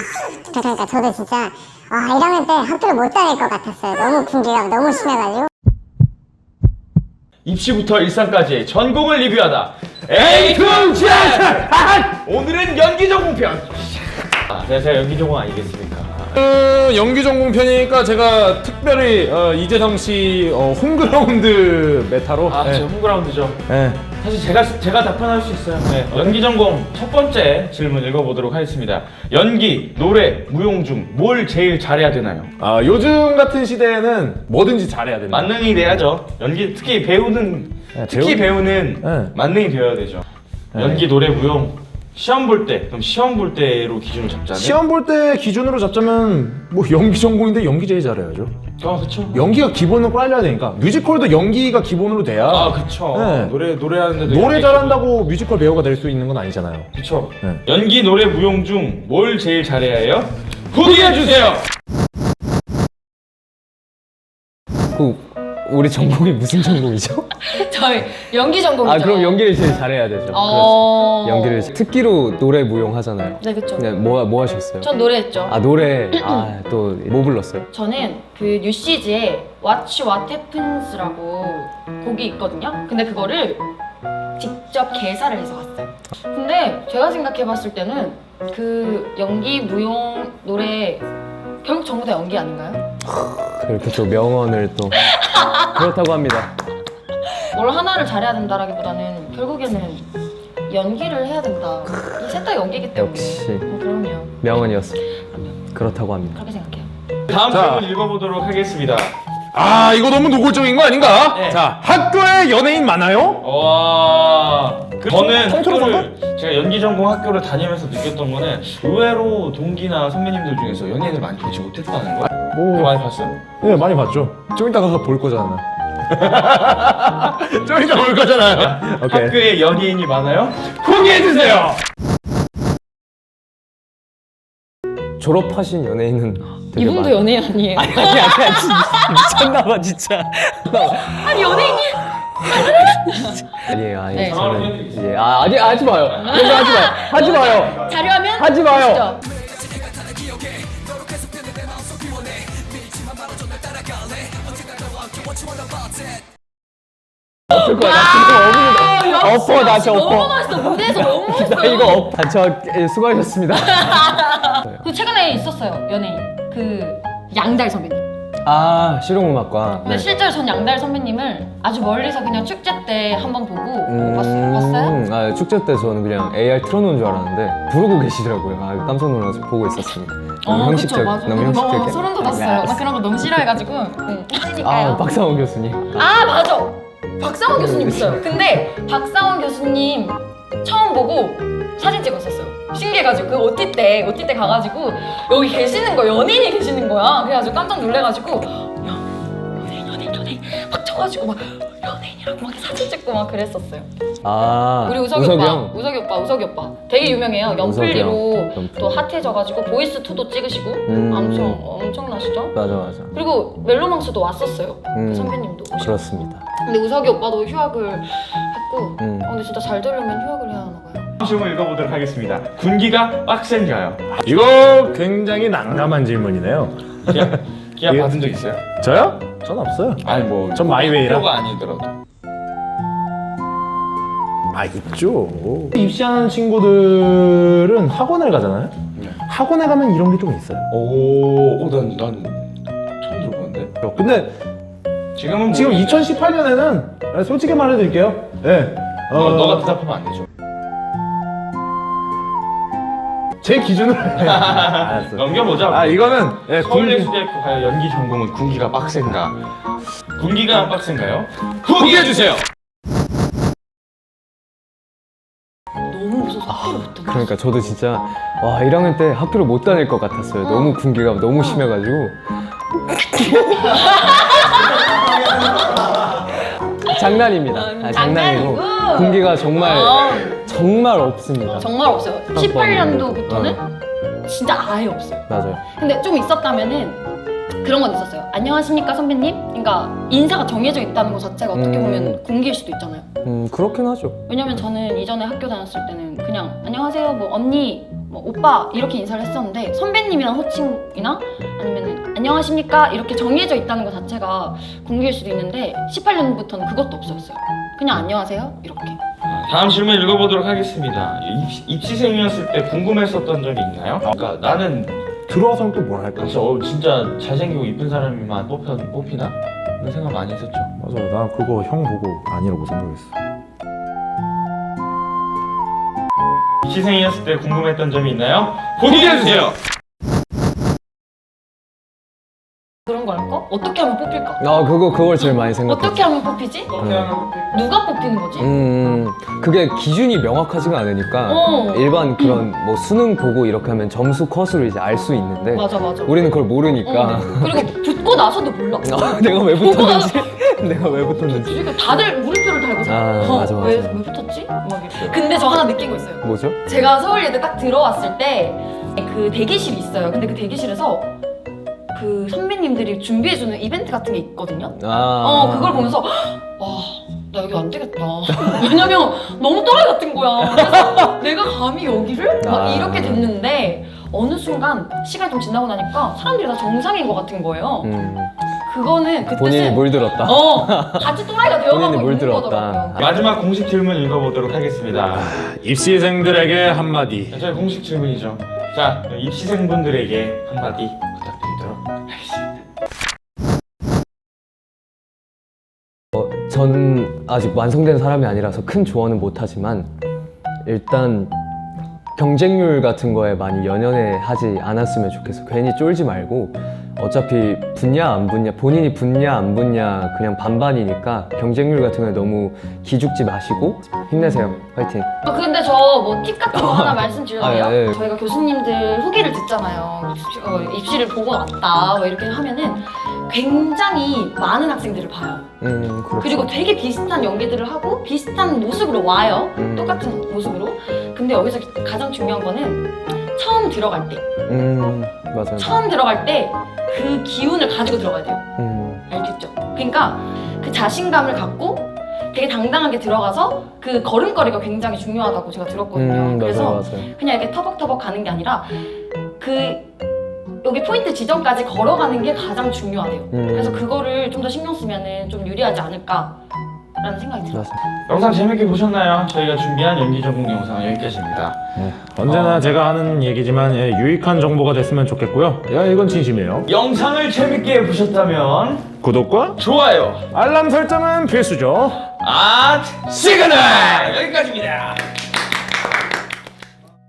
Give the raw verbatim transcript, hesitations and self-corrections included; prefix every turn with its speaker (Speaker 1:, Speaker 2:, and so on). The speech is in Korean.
Speaker 1: 그러니까 저도 진짜 아 일 학년 때 학교를 못 다닐 것 같았어요. 너무 군기가 너무 심해가지고.
Speaker 2: 입시부터 일상까지 전공을 리뷰하다 에이 투 지! 오늘은 연기 전공편. 아, 네, 제가 연기 전공 아니겠습니까?
Speaker 3: 그 연기 전공 편이니까 제가 특별히 어, 이재성 씨 어, 홈그라운드 메타로.
Speaker 2: 아,
Speaker 3: 네.
Speaker 2: 제 홈그라운드죠.
Speaker 3: 네.
Speaker 2: 사실 제가 제가 답변할 수 있어요. 네. 연기 전공 첫 번째 질문 읽어보도록 하겠습니다. 연기, 노래, 무용 중 뭘 제일 잘해야 되나요?
Speaker 3: 아, 요즘 같은 시대에는 뭐든지 잘해야 된다.
Speaker 2: 만능이 돼야죠. 연기 특히 배우는
Speaker 3: 네,
Speaker 2: 특히
Speaker 3: 배우-
Speaker 2: 배우는
Speaker 3: 네.
Speaker 2: 만능이 되어야 되죠.
Speaker 3: 네.
Speaker 2: 연기, 노래, 무용 시험 볼 때 그럼 시험 볼 때로 기준을 잡자면
Speaker 3: 시험 볼 때 기준으로 잡자면 뭐 연기 전공인데 연기 제일 잘해야죠.
Speaker 2: 아 그쵸.
Speaker 3: 연기가 기본으로 깔려야 되니까 뮤지컬도 연기가 기본으로 돼야.
Speaker 2: 아 그쵸.
Speaker 3: 네.
Speaker 2: 노래 노래하는데도
Speaker 3: 노래
Speaker 2: 연기
Speaker 3: 잘한다고 뮤지컬 배우가 될 수 있는 건 아니잖아요.
Speaker 2: 그쵸.
Speaker 3: 네.
Speaker 2: 연기, 노래, 무용 중 뭘 제일 잘해야 해요? 후기해 주세요.
Speaker 4: 그 우리 전공이 무슨 전공이죠?
Speaker 5: 저희 연기 전공이죠.
Speaker 4: 아 그럼 연기를 제일 잘해야 되죠.
Speaker 5: 어...
Speaker 4: 그렇죠. 연기를 특기로 노래 무용 하잖아요.
Speaker 5: 네, 그쵸.
Speaker 4: 네, 뭐, 뭐 하셨어요?
Speaker 5: 전 노래했죠.
Speaker 4: 아 노래 아 또 뭐 불렀어요?
Speaker 5: 저는 그 뉴시즈의 Watch What Happens라고 곡이 있거든요. 근데 그거를 직접 개사를 해서 갔어요. 근데 제가 생각해봤을 때는 그 연기, 무용, 노래 결국 전부 다 연기 아닌가요?
Speaker 4: 그렇게 또 명언을 또 그렇다고 합니다.
Speaker 5: 뭘 하나를 잘해야 된다라기보다는 결국에는 연기를 해야 된다. 이 셋 다 연기이기 때문에.
Speaker 4: 역시.
Speaker 5: 음, 그럼요.
Speaker 4: 명언이었어.
Speaker 5: 그럼요.
Speaker 4: 그렇다고 합니다.
Speaker 5: 그렇게 생각해요.
Speaker 2: 다음
Speaker 3: 자.
Speaker 2: 질문 읽어보도록 하겠습니다.
Speaker 3: 아, 이거 너무 노골적인 거 아닌가?
Speaker 2: 네.
Speaker 3: 자, 학교에 연예인 많아요?
Speaker 2: 와, 그 저는
Speaker 3: 통틀어서
Speaker 2: 학교를 제가 연기 전공 학교를 다니면서 느꼈던 거는 의외로 동기나 선배님들 중에서 연예인을 많이 보지 못했다는 거. 그거
Speaker 3: 뭐,
Speaker 2: 많이 봤어요?
Speaker 3: 네, 많이 봤죠. 좀 이따 가서 볼 거잖아. 좀 이따 볼 거잖아요. 오케이.
Speaker 2: 학교에 연예인이 많아요? 후기해 주세요.
Speaker 4: 졸업하신 연예인은 되게
Speaker 5: 이분도
Speaker 4: 많-
Speaker 5: 연예인 아니에요?
Speaker 4: 아니 아니 아니 진짜 미쳤나봐 진짜.
Speaker 5: 아니 연예인이
Speaker 4: 아니에요 아니
Speaker 5: 네.
Speaker 4: 저는 이제 아 아니 하지 마요. 그런 거 하지 마요. 하지 마요.
Speaker 5: 자료하면
Speaker 4: 하지 마요.
Speaker 5: 보시죠.
Speaker 4: 엎을 거야. 나 진짜 엎어. 엎어 나 진짜
Speaker 5: 너무
Speaker 4: 엎어.
Speaker 5: 멋있어. 무대에서 너무 멋있어.
Speaker 4: 나 이거 엎. 아, 저 예, 수고하셨습니다.
Speaker 5: 그 최근에 있었어요 연예인 그 양달 선배님.
Speaker 4: 아 실용음악과.
Speaker 5: 근데 실제로 전 양달 선배님을 아주 멀리서 그냥 축제 때 한 번 보고
Speaker 4: 음,
Speaker 5: 봤어요. 봤어요?
Speaker 4: 아, 축제 때 저는 그냥 에이알 틀어놓은 줄 알았는데 부르고 계시더라고요. 아, 깜짝 놀라서 보고 있었습니다. 너무
Speaker 5: 어,
Speaker 4: 형식적,
Speaker 5: 그쵸, 맞아.
Speaker 4: 너무
Speaker 5: 너무
Speaker 4: 형식적이야.
Speaker 5: 소름 돋았어요. 나 그런 거 너무 싫어해가지고. 응.
Speaker 4: 아,
Speaker 5: 하시니까요.
Speaker 4: 박상원 교수님.
Speaker 5: 아 맞아. 박상원 교수님 있어요. 근데 박상원 교수님 처음 보고 사진 찍었었어요. 신기해가지고 그 오티 때 오티 때 가가지고 여기 계시는 거 연예인이 계시는 거야. 그래가지고 깜짝 놀래가지고 야 연예인 연예인 연예인 막 쳐가지고 막 연예인이라고 막 사진 찍고 막 그랬었어요.
Speaker 4: 아,
Speaker 5: 우리 우석이,
Speaker 4: 우석이
Speaker 5: 오빠,
Speaker 4: 형.
Speaker 5: 우석이 오빠, 우석이 오빠 되게 유명해요.
Speaker 4: 우석이
Speaker 5: 연플리로
Speaker 4: 형, 연플리.
Speaker 5: 또 핫해져가지고 보이스 투도 찍으시고
Speaker 4: 음.
Speaker 5: 엄청 엄청나시죠?
Speaker 4: 맞아, 맞아.
Speaker 5: 그리고 멜로망스도 왔었어요.
Speaker 4: 음,
Speaker 5: 그 선배님도 오시고.
Speaker 4: 그렇습니다.
Speaker 5: 근데 우석이 오빠도 휴학을 했고
Speaker 4: 음.
Speaker 5: 어, 근데 진짜 잘 되려면 휴학을 해야 하나 봐요.
Speaker 2: 다음 질문 읽어보도록 하겠습니다. 군기가 빡센가요?
Speaker 3: 이거 굉장히 난감한 질문이네요.
Speaker 2: 기합, 기합
Speaker 3: 예.
Speaker 2: 받은 적 있어요?
Speaker 3: 저요? 전 없어요.
Speaker 2: 아니 뭐
Speaker 3: 전 마이웨이라.
Speaker 2: 학교가 아니더라도.
Speaker 3: 아, 있죠. 입시하는 친구들은 학원을 가잖아요.
Speaker 2: 네.
Speaker 3: 학원에 가면 이런 게 좀 있어요.
Speaker 2: 오, 오, 난, 난 처음 들어보는데.
Speaker 3: 근데
Speaker 2: 지금은
Speaker 3: 지금
Speaker 2: 모르겠네.
Speaker 3: 이천십팔 년에는 솔직히 말해드릴게요. 예.
Speaker 2: 너, 너가 대답하면 안 되죠.
Speaker 3: 제 기준으로. 알았어.
Speaker 2: 넘겨보자.
Speaker 3: 아, 이거는 예, 군기.
Speaker 2: 서울예술대학교 과연 연기 전공은 군기가 빡센가? 군기가 빡센가요? 후기해 주세요.
Speaker 5: 너무 무서워서 학교를 못 다녔어.
Speaker 4: 그러니까 저도 진짜 와 일 학년 때 학교를 못 다닐 것 같았어요. 너무 군기가 너무 심해가지고. 장난입니다. 아, 장난이고
Speaker 5: 장난이고.
Speaker 4: 군기가 정말
Speaker 5: 어,
Speaker 4: 정말 없습니다.
Speaker 5: 정말 없어요. 십팔 년도부터는 진짜 아예 없어요.
Speaker 4: 맞아요.
Speaker 5: 근데 좀 있었다면은 그런 건 있었어요. 안녕하십니까 선배님? 그러니까 인사가 정해져 있다는 것 자체가 어떻게
Speaker 4: 음.
Speaker 5: 보면 군기일 수도 있잖아요.
Speaker 4: 음 그렇긴 하죠.
Speaker 5: 왜냐면 저는 이전에 학교 다녔을 때는 그냥 안녕하세요 뭐 언니 뭐 오빠 이렇게 인사를 했었는데 선배님이란 호칭이나 아니면 안녕하십니까 이렇게 정해져 있다는 것 자체가 공개일 수도 있는데 십팔 년부터는 그것도 없었어요. 그냥 안녕하세요 이렇게.
Speaker 2: 다음 질문 읽어보도록 하겠습니다. 입시, 입시생이었을 때 궁금했었던 점이 있나요? 그러니까 나는
Speaker 3: 들어와서는 또 뭘 할까?
Speaker 2: 그래서 어, 진짜 잘생기고 이쁜 사람이만 뽑혀, 뽑히나? 이런 생각 많이 했었죠.
Speaker 3: 맞아, 나 그거 형 보고 아니라고 생각했어.
Speaker 2: 입시생이었을 때 궁금했던 점이 있나요? 공개해주세요!
Speaker 5: 그런 걸까? 어떻게 하면 뽑힐까?
Speaker 4: 아 그거 그걸 제일 많이 생각했어.
Speaker 5: 어떻게 하면 뽑히지? 누가 뽑히는 거지?
Speaker 4: 음, 그게 기준이 명확하지가 않으니까
Speaker 5: 어.
Speaker 4: 일반 그런 뭐 수능 보고 이렇게 하면 점수 컷으로 이제 알 수 있는데
Speaker 5: 맞아 맞아.
Speaker 4: 우리는 그걸 모르니까
Speaker 5: 어. 그리고 붙고 나서도 몰라.
Speaker 4: 아, 내가 왜 붙었는지 내가 왜 붙었는지
Speaker 5: 그러니까 다들 물음표를 달고잖아.
Speaker 4: 아,
Speaker 5: 어,
Speaker 4: 맞아, 맞아.
Speaker 5: 왜, 왜 붙었지? 막 이렇게. 근데 저 하나 느낀 거 있어요.
Speaker 4: 뭐죠?
Speaker 5: 제가 서울예대 딱 들어왔을 때 그 대기실이 있어요. 근데 그 대기실에서 그 선배님들이 준비해주는 이벤트 같은 게 있거든요.
Speaker 4: 아,
Speaker 5: 어 그걸 보면서 와 나 여기 안 되겠다. 왜냐면 너무 또라이 같은 거야. 그래서 내가 감히 여기를? 막
Speaker 4: 아.
Speaker 5: 이렇게 됐는데 어느 순간 시간이 좀 지나고 나니까 사람들이 다 정상인 것 같은 거예요.
Speaker 4: 음,
Speaker 5: 그거는 그
Speaker 4: 본인이
Speaker 5: 뜻은
Speaker 4: 물들었다.
Speaker 5: 어 같이 또라이가 되어가고
Speaker 4: 본인이
Speaker 5: 있는
Speaker 4: 물들었다.
Speaker 5: 거더라고요.
Speaker 2: 마지막 공식 질문 읽어보도록 하겠습니다.
Speaker 3: 입시생들에게 한마디.
Speaker 2: 저희 공식 질문이죠. 자, 입시생분들에게 한마디 부탁드리도록 하겠습니다.
Speaker 4: 어, 전 아직 완성된 사람이 아니라서 큰 조언은 못하지만 일단 경쟁률 같은 거에 많이 연연해 하지 않았으면 좋겠어. 괜히 쫄지 말고 어차피 붙냐 안 붙냐 본인이 붙냐 안 붙냐 그냥 반반이니까 경쟁률 같은 거에 너무 기죽지 마시고 힘내세요. 화이팅.
Speaker 5: 아, 근데 저 뭐 팁 같은 거 하나 말씀드려도 돼요?
Speaker 4: 아, 예, 예.
Speaker 5: 저희가 교수님들 후기를 듣잖아요. 입시, 어, 입시를 보고 왔다 뭐 이렇게 하면은 굉장히 많은 학생들을 봐요.
Speaker 4: 음, 그렇죠.
Speaker 5: 그리고 되게 비슷한 연기들을 하고 비슷한 모습으로 와요.
Speaker 4: 음.
Speaker 5: 똑같은 모습으로. 근데 여기서 가장 중요한 거는 처음 들어갈 때
Speaker 4: 음, 맞아요.
Speaker 5: 처음 들어갈 때 그 기운을 가지고 들어가야 돼요.
Speaker 4: 음,
Speaker 5: 알겠죠? 그러니까 그 자신감을 갖고 되게 당당하게 들어가서 그 걸음걸이가 굉장히 중요하다고 제가 들었거든요.
Speaker 4: 음,
Speaker 5: 그래서
Speaker 4: 맞아요, 맞아요.
Speaker 5: 그냥 이렇게 터벅터벅 가는 게 아니라 그 여기 포인트 지점까지 걸어가는 게 가장 중요하대요.
Speaker 4: 음.
Speaker 5: 그래서 그거를 좀 더 신경 쓰면은 좀 유리하지 않을까라는 생각이 들어요.
Speaker 4: 맞아요.
Speaker 2: 영상 재밌게 보셨나요? 저희가 준비한 연기 전공 영상은 여기까지입니다.
Speaker 3: 언제나
Speaker 2: 어.
Speaker 3: 제가 하는 얘기지만 예, 유익한 정보가 됐으면 좋겠고요. 야, 이건 진심이에요.
Speaker 2: 영상을 재밌게 보셨다면
Speaker 3: 구독과
Speaker 2: 좋아요,
Speaker 3: 알람 설정은 필수죠.
Speaker 2: 아 시그널 여기까지입니다.